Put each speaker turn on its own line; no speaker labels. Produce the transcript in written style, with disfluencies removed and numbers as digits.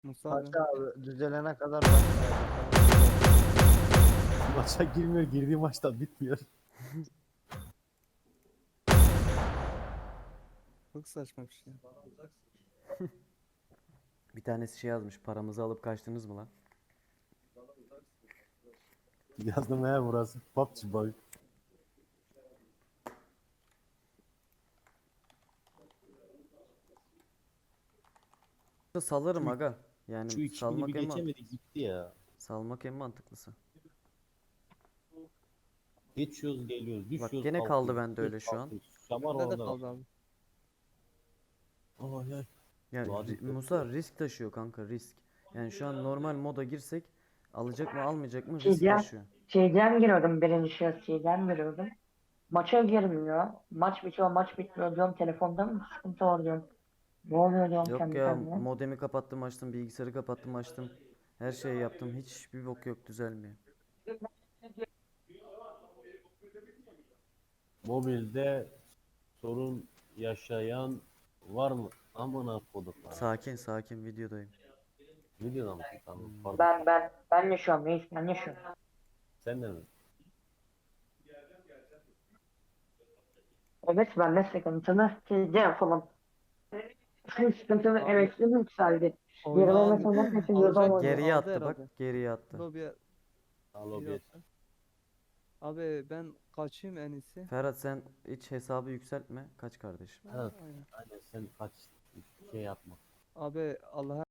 Musa abi.
Paşa abi düzelene kadar başlayacak.
Maça girmiyor, girdiği maçta bitmiyor.
Çok saçma bir şey.
Bir tanesi şey yazmış. Paramızı alıp kaçtınız mı lan?
Yazdım ya, burası PUBG boy.
Salarım
Şu,
aga. Yani
şu 2000'i bir geçemedi gitti ya.
salmak en mantıklısı.
Geçiyoruz geliyoruz,
Bak
düşüyoruz
gene kaldı
kalkıyoruz,
bende öyle
düşüyoruz
şu an.
kalkıyoruz. Şamar
Bende de
orada
kaldı
bak.
abi.
Ay ay.
Yani
Vadi çok
Musa
zor.
risk taşıyor kanka, risk. Yani şu an normal moda girsek alacak mı almayacak mı risk
Şeyden,
taşıyor.
şeyden giriyordum birinci şahıs şeyden giriyordum. Maça girmiyor. Maç bitiyor maç bitmiyor diyorum telefonda mı sıkıntı var diyorum. Ne oluyor diyorum
Yok
kendi
ya,
kendime.
modemi kapattım açtım, bilgisayarı kapattım açtım. Her şeyi yaptım, hiçbir bok yok, düzelmiyor.
Mobilde sorun yaşayan var mı? Amına koduklar.
Sakin sakin, videodayım.
Videoda mısın? Tamam pardon.
Ben yaşıyorum reis ben yaşıyorum.
Sen de mi?
Evet ben de sıkıntılı şeyde yapalım. Sıkıntılı
Abi
emekli yükseldi.
oyunu
Yerime
aldı.
mesela nasıl yıldan
Alacak gibi
oynuyor.
Geriye
aldı
attı bak,
herhalde.
geriye attı.
Lobiye
Alo
bir
bir.
attı. Abi ben kaçayım en iyisi.
Ferhat sen hiç hesabı yükseltme, kaç kardeşim.
Evet.
Aynen.
Aynen sen kaç şey yapma.
Abi Allah'a